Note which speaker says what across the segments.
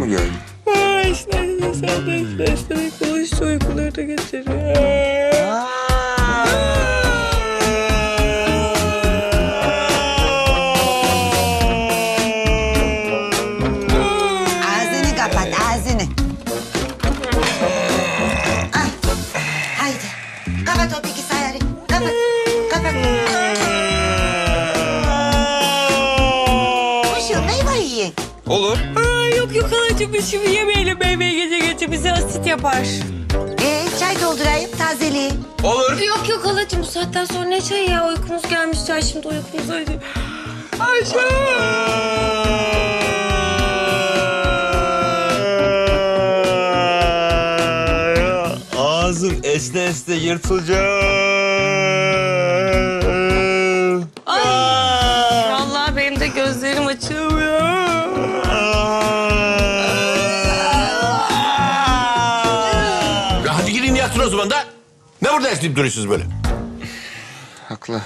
Speaker 1: geldi?
Speaker 2: İşte sen de konuştu uykuları da getiriyor.
Speaker 3: Ağzını kapat, ağzını. Ah, haydi. Kapat o bilgisayarı. Kapat, kapat. Kuşum, meyve yiyin.
Speaker 1: Olur.
Speaker 2: Yok halacığım biz şimdi yemeyelim meyveyi gece bize asit yapar.
Speaker 3: Çay doldurayım, tazeli.
Speaker 1: Olur.
Speaker 2: Yok halacığım bu saatten sonra ne çayı ya uykumuz gelmiş çay şimdi uykumuz hadi.
Speaker 1: Ağzım esne esne yırtılacak.
Speaker 2: Vallahi benim de gözlerim açılmıyor.
Speaker 4: Ya hadi gidin yatın o zaman da. Ne burada esneyip duruyorsunuz böyle?
Speaker 1: Haklı.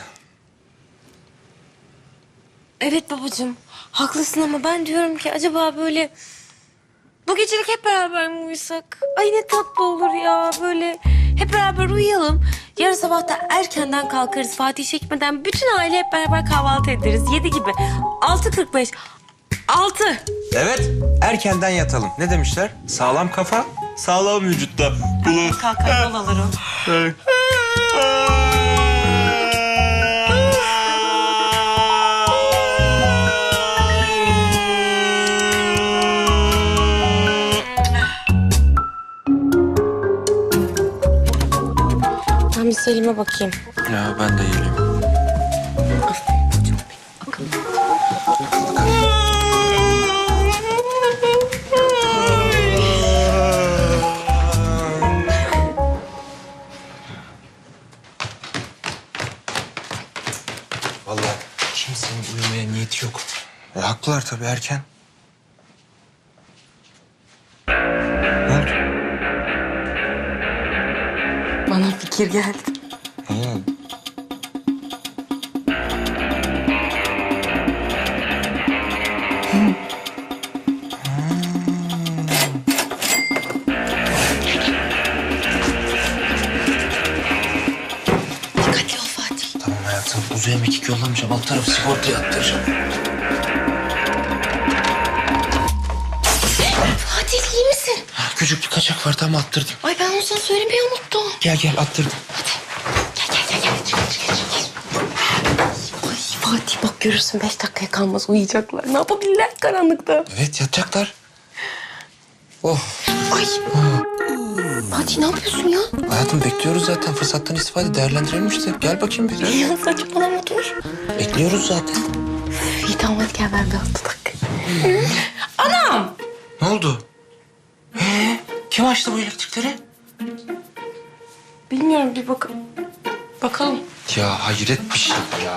Speaker 2: Evet babacığım haklısın ama ben diyorum ki acaba böyle bu gecelik hep beraber mi uyusak? Ay ne tatlı olur ya böyle hep beraber uyuyalım. Yarın sabah da erkenden kalkarız Fatih çekmeden bütün aile hep beraber kahvaltı ederiz 7 gibi. 6.45. 6.
Speaker 1: Evet, erkenden yatalım. Ne demişler? Sağlam kafa, sağlam vücutta.
Speaker 2: Kalkar yol alır o. Ben bir Selim'e bakayım.
Speaker 1: Ya ben de geleyim. Vallahi kimsenin uyumaya niyeti yok. Haklılar tabii erken. Ne oldu?
Speaker 2: Bana fikir geldi. Dikkatli ol Fatih.
Speaker 1: Tamam hayatım. Uzaya mekik yollamayacağım. Alt tarafı sigortaya attıracağım.
Speaker 2: Fatih iyi misin?
Speaker 1: Küçük bir kaçak var tam attırdım.
Speaker 2: Ay ben onu sana söylemeyi unuttum.
Speaker 1: Gel attırdım.
Speaker 2: Gel. Çık. Ay Fatih bak görürsün 5 dakikaya kalmaz uyuyacaklar. Ne yapabilirler karanlıkta?
Speaker 1: Evet yatacaklar. Oh.
Speaker 2: Ay. Fatih ne yapıyorsun ya?
Speaker 1: Hayatım bekliyoruz zaten. Fırsattan istifade değerlendirelim işte. Gel bakayım bir.
Speaker 2: Ya saçmalama dur.
Speaker 1: Bekliyoruz zaten.
Speaker 2: İyi tamam hadi gel ver bir 6 dakika. Anam!
Speaker 1: Ne oldu? Kim açtı bu elektrikleri?
Speaker 2: Bilmiyorum bir bakalım. Bakalım.
Speaker 1: Ya hayret bir şey ya.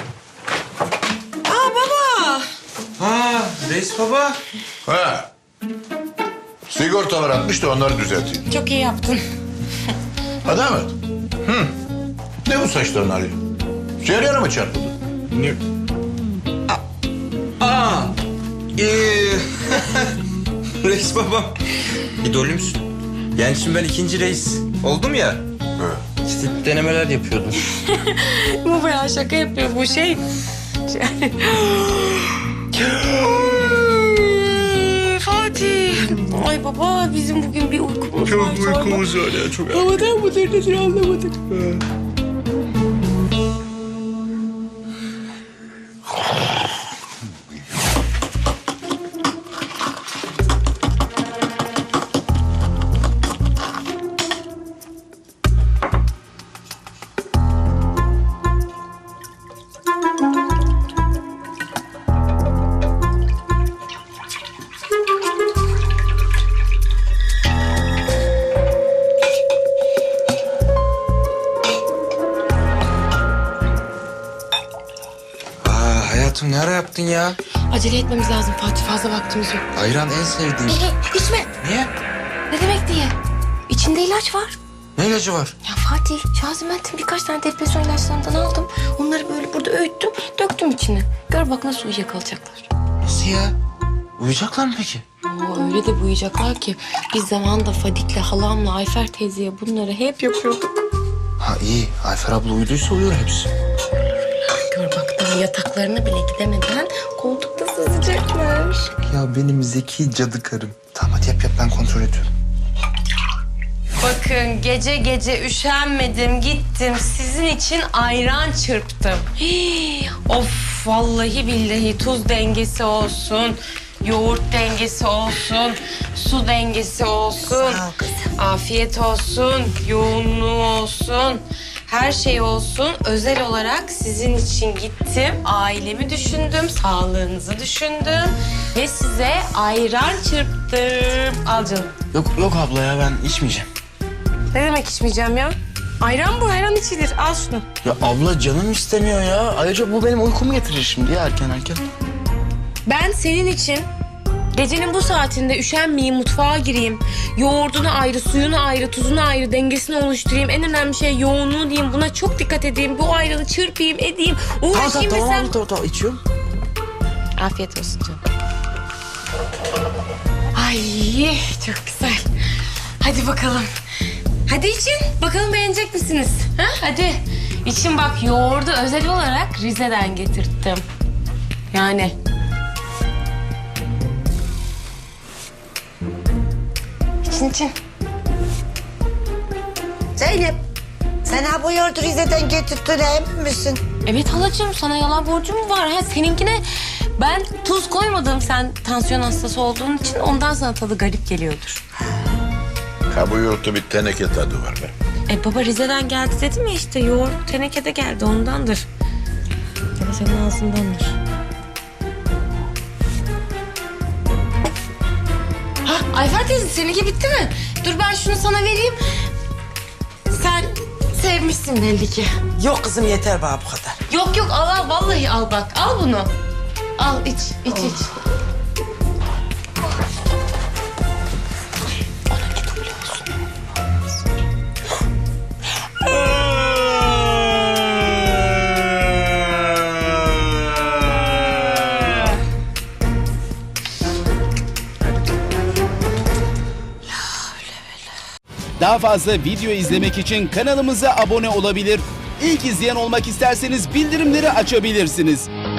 Speaker 2: Aa baba!
Speaker 1: Reis baba.
Speaker 4: Ha. Sigortalar atmış da onları düzelteyim.
Speaker 2: Çok iyi yaptın.
Speaker 4: Hadi Ahmet. Ne bu saçların hali? Ceryana mı çarpıldı?
Speaker 1: Ne? Reis babam. İdolümsün. Yani şimdi ben ikinci reis oldum ya.
Speaker 4: Evet.
Speaker 1: İşte denemeler yapıyordum.
Speaker 2: Bu bayağı şaka yapıyor bu şey. Fatih. Ay baba bizim bugün bir uykumuz var.
Speaker 1: Çok uykumuz var ya çok.
Speaker 2: Havadan mıdır nedir anlamadık.
Speaker 1: Hayatım ne ara yaptın ya?
Speaker 2: Acele etmemiz lazım Fatih fazla vaktimiz yok.
Speaker 1: Ayran en sevdiğim.
Speaker 2: İçme.
Speaker 1: Niye?
Speaker 2: Ne demek diye? İçinde ilaç var.
Speaker 1: Ne ilacı var?
Speaker 2: Ya Fatih, Şaziment'in birkaç tane depresyon ilaçlarından aldım. Onları böyle burada öğüttüm, döktüm içine. Gör bak nasıl uyuyakalacaklar.
Speaker 1: Nasıl ya? Uyuyacaklar mı peki?
Speaker 2: Oo, öyle de uyuyacaklar ki biz zamanında Fadik'le, halamla, Ayfer teyzeye bunları hep yapıyorduk.
Speaker 1: Ha iyi. Ayfer abla uyuduysa uyuyor hepsi.
Speaker 2: Gör bak daha yataklarına bile gidemeden koltukta sızacaklar.
Speaker 1: Ya benim zeki cadı karım. Tamam hadi yap ben kontrol ediyorum.
Speaker 2: Bakın gece gece üşenmedim gittim sizin için ayran çırptım. Hii, of vallahi billahi tuz dengesi olsun, yoğurt dengesi olsun, su dengesi olsun.
Speaker 3: Sağ ol kızım.
Speaker 2: Afiyet olsun, yoğunluğu olsun. Her şey olsun. Özel olarak sizin için gittim. Ailemi düşündüm, sağlığınızı düşündüm. Ve size ayran çırptım. Al canım.
Speaker 1: Yok abla ya ben içmeyeceğim.
Speaker 2: Ne demek içmeyeceğim ya? Ayran bu, ayran içilir. Al şunu.
Speaker 1: Ya abla canım istemiyor ya. Ayrıca bu benim uykumu getirir şimdi ya erken.
Speaker 2: Ben senin için gecenin bu saatinde üşenmeyeyim, mutfağa gireyim. Yoğurdunu ayrı, suyunu ayrı, tuzunu ayrı, dengesini oluşturayım. En önemli şey yoğunluğu diyeyim. Buna çok dikkat edeyim. Bu ayranı çırpayım, edeyim. Uğraşayım ve sen...
Speaker 1: Tamam içiyorum.
Speaker 2: Afiyet olsun canım. Ay çok güzel. Hadi bakalım. Hadi için. Bakalım beğenecek misiniz? Ha? Hadi. İçin bak yoğurdu özel olarak Rize'den getirttim. Yani. İçin.
Speaker 3: Zeynep, sen ha bu yoğurdu Rize'den getirttin emin misin?
Speaker 2: Evet halacığım sana yalan borcum mu var? Ha, seninkine ben tuz koymadım. Sen tansiyon hastası olduğun için ondan sana tadı garip geliyordur.
Speaker 4: Ha bu yoğurtta bir teneke tadı var be.
Speaker 2: Baba Rize'den geldi dedim ya işte yoğurt tenekede geldi ondandır. Ya da senin ağzındandır. Ha Ayfer teyze seninki bitti mi? Dur ben şunu sana vereyim. Sen sevmişsin belli ki.
Speaker 5: Yok kızım yeter bana bu kadar.
Speaker 2: Yok al vallahi al bak al bunu. Al iç.
Speaker 6: Daha fazla video izlemek için kanalımıza abone olabilir. İlk izleyen olmak isterseniz bildirimleri açabilirsiniz.